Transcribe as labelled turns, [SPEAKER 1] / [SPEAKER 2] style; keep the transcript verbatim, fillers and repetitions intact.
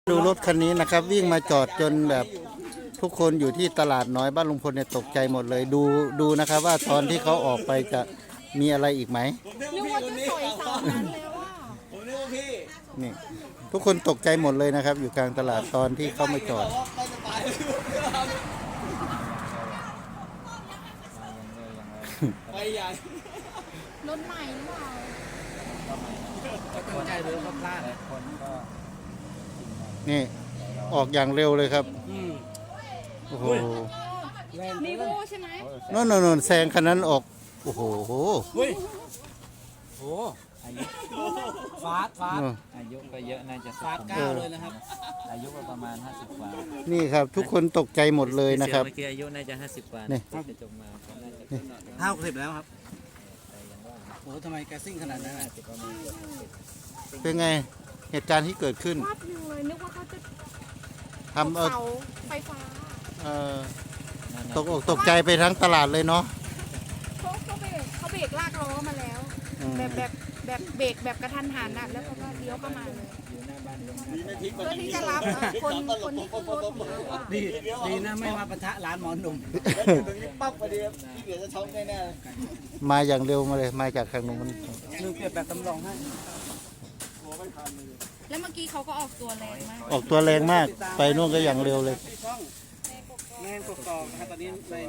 [SPEAKER 1] ดูรถคันนี้นะครับวิ่งมาจอดจนแบบทุกคนอยู่ที่ตลาดน้อยบ้านลุงพลเนี่ยตกใจหมดเลยดูดูนะครับว่าตอนที่เขาออกไปจะมีอะไรอีกไหม
[SPEAKER 2] นึกว่าจะสวยสาวนั้นแล้วว่า
[SPEAKER 3] ผมนึกว่าพี่
[SPEAKER 1] นี่ทุกคนตกใจหมดเลยนะครับ อยู่กลางตลาดตอนที่เขามาจอด
[SPEAKER 3] ไปจะตายไปใหญ่
[SPEAKER 2] รถใหม่หรือเปล่า
[SPEAKER 3] คนใจหรือก็พลาด
[SPEAKER 1] นี่ออกอย่างเร็วเลยครับ
[SPEAKER 3] อืม
[SPEAKER 1] โอ้โห
[SPEAKER 2] นีโวใช่ไหม
[SPEAKER 1] โน่นโน่นโน่นแซงคันนั้นออกโอ้โห
[SPEAKER 3] เฮ้ยโอ้อายุฟาดฟาด
[SPEAKER 4] อายุก็เยอะน่าจะ
[SPEAKER 3] ฟาดเก้าเลยนะครับ
[SPEAKER 4] อายุก็ประมาณห้าสิบกว่า
[SPEAKER 1] นี่ครับ ทุกคนตกใจหมดเลยนะครับ
[SPEAKER 4] เมื่อกี้อายุน่าจะห้าสิบกว่า
[SPEAKER 1] นี่
[SPEAKER 4] จะจบมาเขาน่าจะ
[SPEAKER 3] ห้าสิบแล้วครับโอ้ทำไมแกซิ่งขนาดนั้น
[SPEAKER 1] เป็นไงเหตุการณ์ที่เกิดขึ้น
[SPEAKER 2] วาดหนึ่งเลยนึกว่าเขาจะ
[SPEAKER 1] ทำเอา
[SPEAKER 2] เสาไฟฟ้า
[SPEAKER 1] เอ่อตกอกตกใจไปทั้งตลาดเลยเนาะ
[SPEAKER 2] เขาเขาเบรกเขาเบรกลากล้อมาแล้ว
[SPEAKER 1] อืม
[SPEAKER 2] แบบแบบแบบเบรกแบบกระทันหันน่ะแล้วเขาก็เลี้ยวเข้ามาเลยเพื่อที่จะรับเอ่อคนคนที่ขึ้นรถของเราอะ
[SPEAKER 3] ดีดีนะไม่มาปะทะร้านหมอหนุ่มตรงนี้ปั๊บพอดีพี่เบียร์จะช็อกแน่ๆเลย
[SPEAKER 1] มาอย่างเร็วมาเลยมาจากทางนู้น
[SPEAKER 3] ลืมเก็บแบบตำรองให้
[SPEAKER 2] แล้วเมื่อกี้เขาก็ออกตัวแรงมาก
[SPEAKER 1] ออกตัวแรงมาก ไปนู่นก็อย่างเร็วเลย
[SPEAKER 3] ช่องแม่งกกอกนะครับตอนนี้ใน